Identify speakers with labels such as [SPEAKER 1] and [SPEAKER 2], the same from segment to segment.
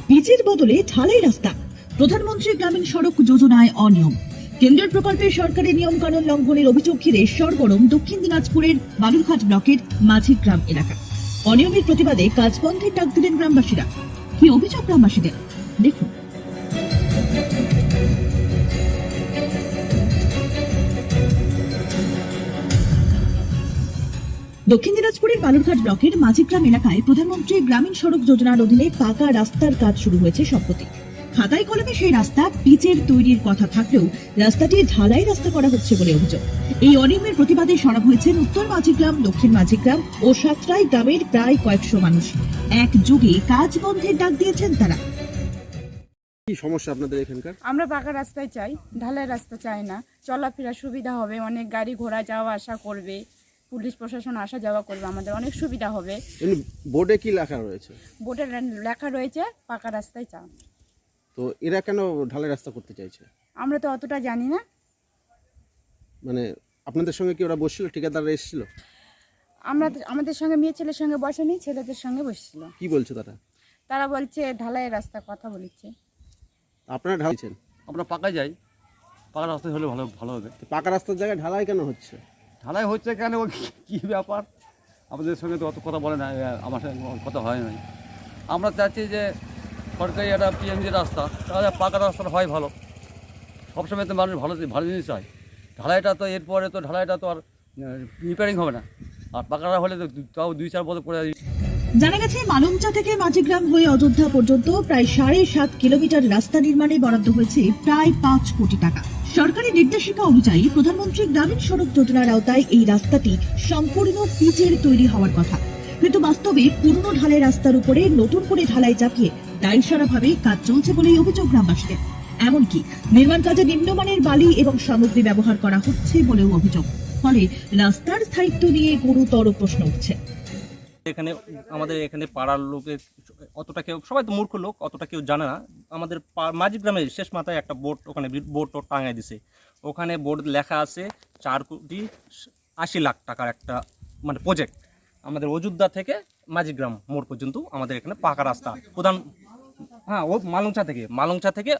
[SPEAKER 1] পিচের বদলে ঢালাই রাস্তা। প্রধানমন্ত্রী গ্রামীণ সড়ক যোজনায় অনিয়ম। কেন্দ্রের প্রকল্পে সরকারের নিয়ম কানুন লঙ্ঘনের অভিযোগ ঘিরে সরগরম দক্ষিণ দিনাজপুরের বালুরঘাট ব্লকের মাঝিগ্রাম এলাকা। অনিয়মের প্রতিবাদে কাজ বন্ধের ডাক দিলেন গ্রামবাসীরা। কি অভিযোগ গ্রামবাসীদের, দেখুন। দক্ষিণ দিনাজপুরের বালুরঘাট ব্লকের মাঝিগ্রাম এলাকায় প্রধানমন্ত্রী গ্রামীণ সড়ক যোজনার অধীনে পাকা রাস্তার কাজ শুরু হয়েছে সম্প্রতি। খাতায় কলমে সেই রাস্তা পিচের তৈরির কথা থাকলেও রাস্তাটি ঢালাই রাস্তা করা হচ্ছে বলে অভিযোগ। এই অনিয়মের প্রতিবাদে সরব হয়েছেন উত্তর মাঝিগ্রাম, দক্ষিণ মাঝিগ্রাম ও সাতরাই গ্রামের প্রায় কয়েকশো মানুষ। একযোগে কাজ বন্ধের ডাক দিয়েছেন তারা।
[SPEAKER 2] কি সমস্যা আপনাদের এখানকার?
[SPEAKER 3] আমরা পাকা রাস্তায় চাই, ঢালাই রাস্তা চাই না। চলাফেরা সুবিধা হবে, অনেক গাড়ি ঘোড়া যাওয়া আসা করবে, পুলিশ প্রশাসন আসা যাওয়া করবে, আমাদের অনেক সুবিধা হবে।
[SPEAKER 2] বোর্ডে কি লেখা রয়েছে?
[SPEAKER 3] বোর্ডে লেখা রয়েছে পাকা রাস্তায় চাও।
[SPEAKER 2] তো এরা কেন ঢালাই রাস্তা করতে চাইছে?
[SPEAKER 3] আমরা তো অতটা জানি না।
[SPEAKER 2] মানে আপনাদের সঙ্গে কি ওরা বসছিল, ঠিকাদাররা এসেছিল?
[SPEAKER 3] আমাদের সঙ্গে মেয়ে ছেলের সঙ্গে বসেনি, ছেলেদের সঙ্গে বসছিল।
[SPEAKER 2] কি বলছে তারা?
[SPEAKER 3] তারা বলছে ঢালাই রাস্তা কথা বলেছে।
[SPEAKER 2] আপনারা ঢালছেন?
[SPEAKER 4] আমরা পাকায় যাই, পাকা রাস্তায় হলে ভালো হবে।
[SPEAKER 2] তো পাকা রাস্তার জায়গায় ঢালাই কেন হচ্ছে?
[SPEAKER 4] ঢালাই হচ্ছে কেন, কী ব্যাপার? আমাদের সঙ্গে তো অত কথা বলে না, আমার সঙ্গে কথা হয় নাই। আমরা চাচ্ছি যে সরকারি একটা পিএমজি রাস্তা, তাহলে পাকা রাস্তাটা হয় ভালো। সবসময় তো মানুষ ভালো জিনিস চায়। ঢালাইটা তো এরপরে তো ঢালাইটা তো আর রিপেয়ারিং হবে না, আর পাকাটা হলে তো তাও 2-4 বছর পরে।
[SPEAKER 1] জানা গেছে মালঞ্চা থেকে মাঝিগ্রাম হয়ে অযোধ্যা পর্যন্ত প্রায় 7.5 কিলোমিটার রাস্তা নির্মাণে বরাদ্দ হয়েছে প্রায় 5 কোটি টাকা। সরকারি নির্দেশিকা অনুযায়ী প্রধানমন্ত্রী গ্রামীণ সড়ক যোজনার আওতায় এই রাস্তাটি সম্পূর্ণ পিচের তৈরি হওয়ার কথা, কিন্তু বাস্তবে পুরনো ঢালাই রাস্তার উপরে নতুন করে ঢালাই চাপিয়ে দায়সারাভাবে কাজ চলছে বলেই অভিযোগ গ্রামবাসীদের। এমনকি নির্মাণ কাজে নিম্নমানের বালি এবং সামগ্রী ব্যবহার করা হচ্ছে বলেও অভিযোগ। ফলে রাস্তার স্থায়িত্ব নিয়ে গুরুতর প্রশ্ন উঠছে।
[SPEAKER 5] আমাদের এখানে পাড়ার লোকের অতটা কেউ, সবাই তো মূর্খ লোক, অতটা কেউ জানে না। আমাদের মাঝিগ্রামের শেষ মাথায় একটা বোর্ড, ওখানে বোর্ড টাঙায় দিছে। ওখানে বোর্ড লেখা আছে 4,80,00,000 টাকার একটা মানে প্রজেক্ট। আমাদের অযোধ্যা থেকে মাঝিগ্রাম মোড় পর্যন্ত আমাদের এখানে পাকা রাস্তা ও মালংচা থেকে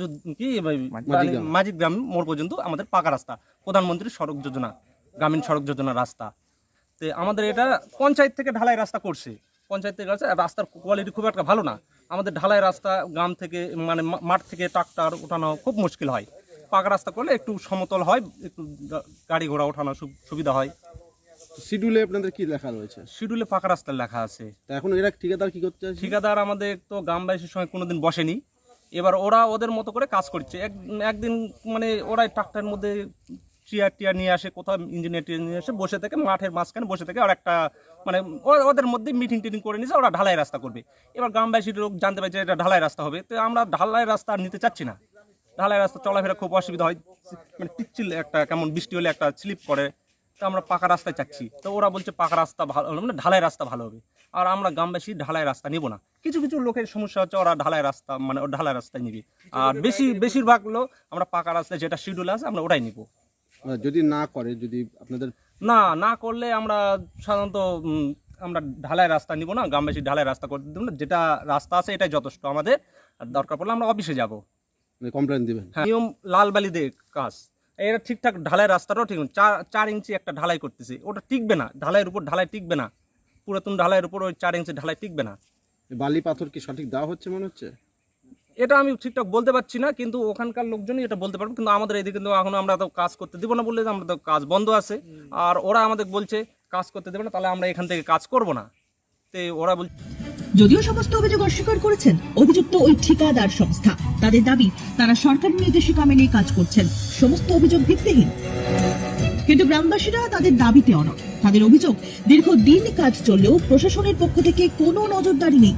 [SPEAKER 5] মাঝিগ্রাম মোড় পর্যন্ত আমাদের পাকা রাস্তা, প্রধানমন্ত্রীর সড়ক যোজনা, গ্রামীণ সড়ক যোজনা রাস্তা। তো আমাদের এটা পঞ্চায়েত থেকে ঢালাই রাস্তা করছে, পঞ্চায়েত থেকে রাস্তার কোয়ালিটি খুব একটা ভালো না। আমাদের ঢালাই রাস্তা গ্রাম থেকে মানে মাঠ থেকে ট্রাক্টর ওঠানো খুব মুশকিল হয়। পাকা রাস্তা করলে একটু সমতল হয়, একটু গাড়ি ঘোড়া ওঠানো সুবিধা হয়।
[SPEAKER 2] শিডিউলে আপনাদের কি লেখা রয়েছে?
[SPEAKER 5] শিডিউলে পাকা রাস্তা লেখা আছে।
[SPEAKER 2] তা এখন এরা ঠিকাদার কি করতে চাইছে?
[SPEAKER 5] ঠিকাদার আমাদের তো গ্রামবাসীর সঙ্গে কোনোদিন বসেনি, এবার ওরা ওদের মতো করে কাজ করছে। একদিন মানে ওরাই ট্রাক্টরের মধ্যে টিয়ার নিয়ে আসে, কোথাও ইঞ্জিনিয়ার নিয়ে আসে, বসে থেকে মাঠের মাঝখানে বসে থেকে আর একটা মানে ওদের মধ্যে মিটিং করে নিয়েছে, ওরা ঢালাই রাস্তা করবে। এবার গ্রামবাসীর লোক জানতে পারছে এটা ঢালাই রাস্তা হবে, তো আমরা ঢালাই রাস্তা আর নিতে চাচ্ছি না। ঢালাই রাস্তা চলাফেরা খুব অসুবিধা হয়, মানে পিচ্ছিল একটা কেমন বৃষ্টি হলে একটা স্লিপ করে, তো আমরা পাকা রাস্তায় চাচ্ছি। তো ওরা বলছে পাকা রাস্তা ভালো, মানে ঢালাই রাস্তা ভালো হবে। আর আমরা গ্রামবাসী ঢালাই রাস্তা নেব না। কিছু লোকের সমস্যা হচ্ছে ওরা ঢালাই রাস্তা মানে ঢালাই রাস্তায় নিবে, আর বেশিরভাগ লোক আমরা পাকা রাস্তায় যেটা শিডিউল আছে আমরা ওটাই নিব।
[SPEAKER 2] যদি না করে, যদি আপনাদের
[SPEAKER 5] না করলে আমরা সাধারণত আমরা ঢালাই রাস্তা নিব না, গ্রামবাসী ঢালাই রাস্তা করতে দেব না। যেটা রাস্তা আছে এটাই যথেষ্ট আমাদের, আর দরকার পড়লে আমরা অফিসে যাব,
[SPEAKER 2] কমপ্লেন দিবেন।
[SPEAKER 5] নিয়ম লাল বালি দিয়ে কাজ, এটা ঠিকঠাক ঢালাই রাস্তাটাও ঠিক 4 ইঞ্চি একটা ঢালাই করতেছে, ওটা টিকবে না, ঢালাইয়ের উপর ঢালাই টিকবে না, পুরাতন ঢালাইয়ের উপর ওই 4 ইঞ্চি ঢালাই টিকবে না।
[SPEAKER 2] বালি পাথর কি সঠিক দেওয়া হচ্ছে মনে হচ্ছে?
[SPEAKER 5] এটা আমি ঠিকঠাক বলতে পারছি না, কিন্তু ওখানকার লোকজনই এটা বলতে পারবে। কিন্তু আমাদের এদিকে কিন্তু এখন আমরা তো কাজ করতে দেবো না বললে, আমরা তো কাজ বন্ধ আছে, আর ওরা আমাদের বলছে কাজ করতে দেবে না, তাহলে আমরা এখান থেকে কাজ করব না। তো ওরা বলছে,
[SPEAKER 1] যদিও সমস্ত অভিযোগ অস্বীকার করেছেন অভিযুক্ত ওই ঠিকাদার সংস্থা। তাদের দাবি তারা সরকারি নির্দেশিকা মেনে কাজ করছেন, সমস্ত অভিযোগ ভিত্তিহীন। কিন্তু গ্রামবাসীরা তাদের দাবিতে অনড়। তাদের অভিযোগ, দীর্ঘদিন কাজ চললেও প্রশাসনের পক্ষ থেকে কোনো নজরদারি নেই।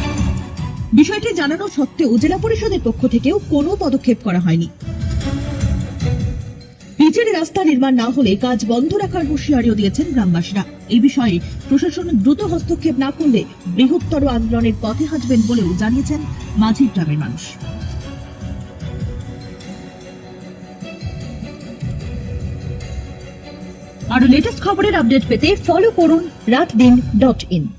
[SPEAKER 1] বিষয়টি জানানো সত্ত্বেও জেলা পরিষদের পক্ষ থেকেও কোনো পদক্ষেপ করা হয়নি। পিচের রাস্তা নির্মাণ না হলে কাজ বন্ধ রাখার হুঁশিয়ারিও দিয়েছেন গ্রামবাসীরা। এই বিষয়ে প্রশাসন দ্রুত হস্তক্ষেপ না করলে বৃহত্তর আন্দোলনের পথে হাঁটবেন বলেও জানিয়েছেন মাঝিগ্রামের মানুষ। আরো লেটেস্ট খবরের আপডেট পেতে ফলো করুন রাতদিন.in।